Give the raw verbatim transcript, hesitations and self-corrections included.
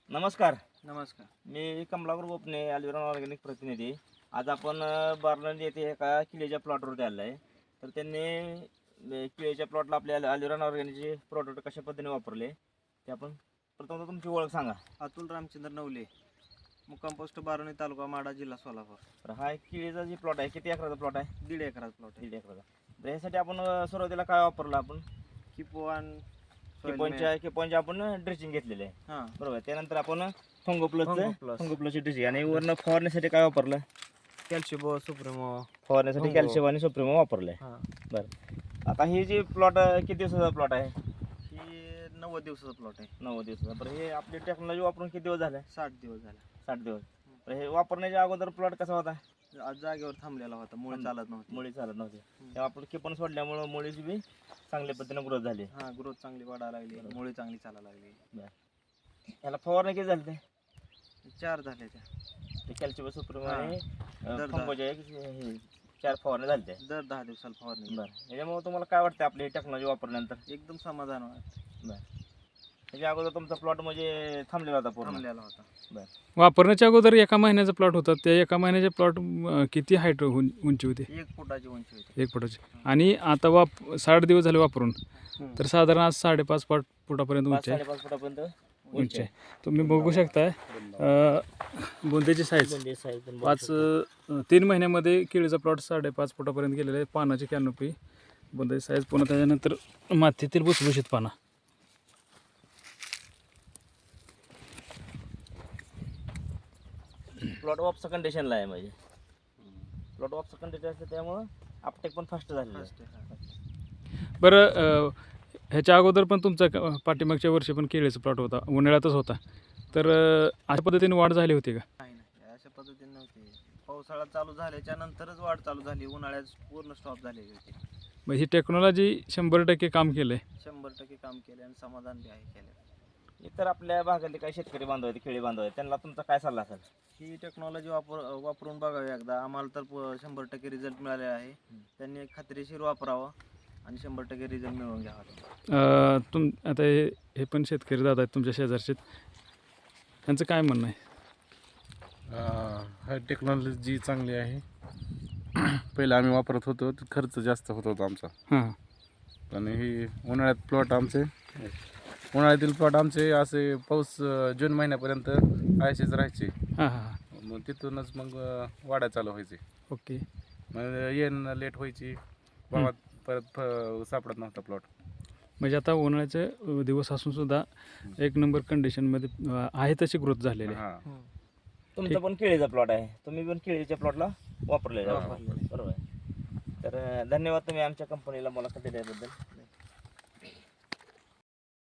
नमस्कार. नमस्कार. मी कमलाकर गोपने, अल्विरॉन ऑर्गॅनिक प्रतिनिधी. आज आपण अ, बार्लंड येथे एका किल्ल्याच्या प्लॉटवरती आलो आहे. तर त्यांनी अ, किल्ल्याच्या प्लॉटला आपल्या अल्विरॉन ऑर्गॅनिकचे प्रोडक्ट कशा पद्धतीने वापरले ते आपण प्रथम तुमची ओळख सांगा. अतुल रामचंद्र नवले, मुक्काम पोस्ट बारोणी, तालुका माडा, जिल्हा सोलापूर. तर हा एक किल्ल्याचा जे प्लॉट आहे किती एकराचा प्लॉट आहे? दीड एकरात प्लॉट आहे. दीड एकराचा. तर ह्यासाठी आपण अ, सुरुवातीला काय वापरलं आपण? किपोवान किपॉनच्या किपॉनच्या आपण ड्रेसिंग घेतलेले आहे. हां बरोबर. त्यानंतर आपण फंगो प्लसचं फंगो प्लस. फंगो प्लसची ड्रेसिंग आणि वरनं फवारण्यासाठी काय वापरलं? कॅल्शिबो सुप्रिमो. फवारण्यासाठी फंगो. कॅल्शियम आणि सुप्रिमो वापरलं आहे. हां बरं. आता ही जी प्लॉट किती दिवसाचा प्लॉट आहे? ही नव्वद दिवसाचा प्लॉट आहे. नव्वद दिवसाचा. बरं, हे आपली टेक्नॉलॉजी वापरून किती दिवस झाले? साठ दिवस झाला. साठ दिवस. तर हे वापरण्याच्या अगोदर प्लॉट कसा होता? आज जागेवर थांबलेला होता, मुळे थांब- चालत नव्हती. मुळी चालत नव्हती. हम्म. तेव्हा आपण किपण सोडल्यामुळं मुळीची बी चांगल्या पद्धतीने ग्रोथ झाली. हां ग्रोथ चांगली वाढायला लागली, मुळे चांगली चालायला लागली. याला फवारणी किती झाली? ते चार झाले त्या. ते कॅल्शियम सुप्रिमो हां. आणि दर दहा. फंगोच्या एक हे चार फवारणी झाली त्या. दर दहा दिवसाला फवारणी. बरं. याच्यामुळे तुम्हाला काय वाटतं आपली टेक्नॉलॉजी वापरल्यानंतर? एकदम समाधान वाटतं. बरं. त्याच्या अगोदर तुमचा प्लॉट म्हणजे थांबलेला होता पूर्ण? थांबलेला होता. बरं. वापरण्याच्या अगोदर एका महिन्याचा प्लॉट होता. त्या एका महिन्याच्या प्लॉट किती हाईट उंची होती? एक फुटाची उंची होती. एक फुटाची. आणि आता वाप साठ दिवस झाले वापरून, हम्म. तर साधारण आज साडेपाच फूट फुटापर्यंत पाच उंची आहे. साडेपाच फुटापर्यंत उंची आहे. तुम्ही बघू शकताय अ, बुंदेची साईज म्हणजे size पण बघू पाच शकता. अ, तीन महिन्यामध्ये केळीचा प्लॉट साडेपाच फुटापर्यंत गेलेला आहे. पानाची कॅनोपी, बुंदेची साईज, पुन्हा त्याच्यानंतर मातीतील भुसभुशीत पाना. प्लॉट ऑफचं कंडिशनला आहे म्हणजे प्लॉट ऑफचं कंडिशन असतं त्यामुळं अपटेक पण फास्ट झालेलं आहे. First आहे, हां. बरं, अ, ह्याच्या अगोदर पण तुमचा क- पाठीमागच्या वर्षी पण केळीचा प्लॉट होता, उन्हाळ्यातच होता. तर अ, अशा पद्धतीने वाढ झाली होती का? नाही नाही अशा पद्धतीने नव्हती. पावसाळा चालू झाल्याच्या नंतरच वाढ चालू झाली. उन्हाळ्यात पूर्ण स्टॉप झालेली होती. मग ही टेक्नॉलॉजी शंभर टक्के काम केलं आहे. शंभर टक्के काम केले आणि समाधान बी आहे केलं. इतर आपल्या भागातले काही शेतकरी बांधव आहेत, खेळी बांधव आहेत, त्यांना तुमचा काय सल्ला असेल? ही टेक्नॉलॉजी वापर वापरून बघावी एकदा. आम्हाला तर प- शंभर टक्के रिझल्ट मिळाले आहे. त्यांनी खात्रीशीर वापरावं आणि शंभर टक्के रिझल्ट मिळवून घ्यावा. अ, तुम आता हे हे पण शेतकरी दादा आहेत तुमच्या शेजारचे, त्यांचं काय म्हणणं आहे? हा टेक्नॉलॉजी चांगली आहे. पहिलं आम्ही वापरत होतो तर खर्च जास्त होत होता आमचा. हां आणि ही उन्हाळ्यात प्लॉट आमचे उन्हाळ्यातील प्लॉट आमचे असे पाऊस अं, जून महिन्यापर्यंत असेच राहायचे. हां हां हां मग तिथूनच मग अं, वाढा चालू व्हायचे. ओके. मग येणं लेट व्हायची, भावात परत फ- सापडत नव्हता प्लॉट. म्हणजे आता उन्हाळ्याचे अ, दिवस असून सुद्धा एक नंबर कंडिशनमध्ये अ, आहे तशी ग्रोथ झालेली आहे. हां तुमचा पण केळीचा प्लॉट आहे, तुम्ही पण केळीच्या प्लॉटला वापरलेला हा, आहे. वापरलेलं आहे. बरोबर आहे. तर अं, धन्यवाद तुम्ही आमच्या कंपनीला मुलाखत दिल्याबद्दल.